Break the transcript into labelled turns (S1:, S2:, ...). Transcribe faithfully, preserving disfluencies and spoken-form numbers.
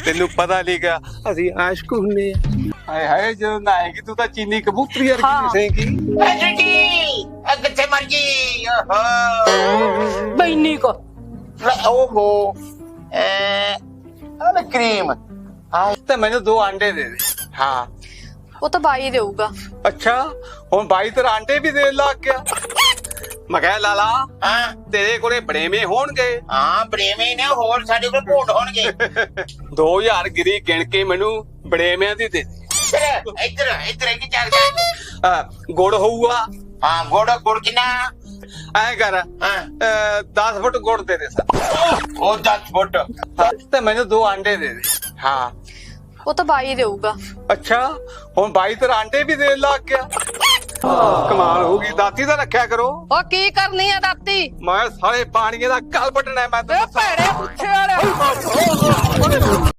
S1: ਤੈਨੂੰ ਪਤਾ ਲੀਗਾ ਅਸੀਂ ਆਸ਼ਕ ਹੁੰਨੇ ਆ। ਹਾਏ ਹਾਏ ਜਦੋਂ ਨਾ ਆਏਗੀ ਤੂੰ ਤਾਂ ਚੀਨੀ ਕਬੂਤਰੀ ਵਰਗੀ ਦਿਸੇਂਗੀ।
S2: ਜੀ ਕਿੱਥੇ ਮਰ ਗਈ ਓਹੋ
S3: ਬੈਨੀ ਕੋ
S2: ਓਹੋ ਐ ਅਲ ਕਰੀਮ
S1: ਹਾਂ ਤੇ ਮੈਨੂੰ ਦੋ ਆਂਡੇ ਦੇ ਦੇ। ਹਾਂ
S3: ਉਹ ਤਾਂ ਬਾਈ ਦੇਊਗਾ।
S1: ਅੱਛਾ ਹੁਣ ਬਾਈ ਤੇਰਾ ਆਂਡੇ ਵੀ ਦੇਣ ਲੱਗ ਗਿਆ। ਮੈਂ ਕਿਹਾ ਲਾਲਾ
S2: ਹਾਂ
S1: ਤੇਰੇ ਕੋਲੇ ਬੜੇਵੇਂ ਹੋਣਗੇ।
S2: ਹਾਂ ਪ੍ਰੇਮੀ ਨੇ ਹੋਰ ਸਾਡੇ ਕੋਲ ਭੋਟ ਹੋਣਗੇ।
S1: ਦੋ ਹਜ਼ਾਰ ਗਿਰੀ ਗਿਣ ਕੇ ਮੈਨੂੰ ਬੜੇਵਿਆਂ ਦੀ ਦੇ ਦੇ।
S2: ਇੱਧਰ ਇੱਧਰ ਇੱਧਰ ਕੀ ਚੱਲਦਾ
S1: ਅਹ, ਗੁੜ ਹੋਊਗਾ।
S2: ਹਾਂ ਗੁੜ ਗੁੜ ਕਿੰਨਾ
S1: ਐ ਕਰ
S2: ਹਾਂ
S1: ਦਸ ਫੁੱਟ ਗੁੜ ਦੇ ਦੇ ਸਰ।
S2: ਉਹ ਦਸ ਫੁੱਟ
S1: ਤੇ ਮੈਨੂੰ ਦੋ ਆਂਡੇ ਦੇ ਦੇ। ਹਾਂ
S3: ਉਹ ਤਾਂ ਬਾਈ ਦੇਊਗਾ।
S1: ਅੱਛਾ ਹੁਣ ਬਾਈ ਤੇਰਾ ਆਂਡੇ ਵੀ ਦੇਣ ਲੱਗ ਗਿਆ। ਕਮਾਲ ਹੋ ਗਈ। ਦਾਤੀ ਦਾ ਰੱਖਿਆ ਕਰੋ।
S3: ਉਹ ਕੀ ਕਰਨੀ ਆ ਦਾਤੀ?
S1: ਮੈਂ ਸਾਰੇ ਪਾਣੀਏ ਦਾ ਗਲ ਵੱਢਣਾ ਮੈਂ
S3: ਏ ਭੈੜੇ ਪੁੱਛੇ ਵਾਲੇ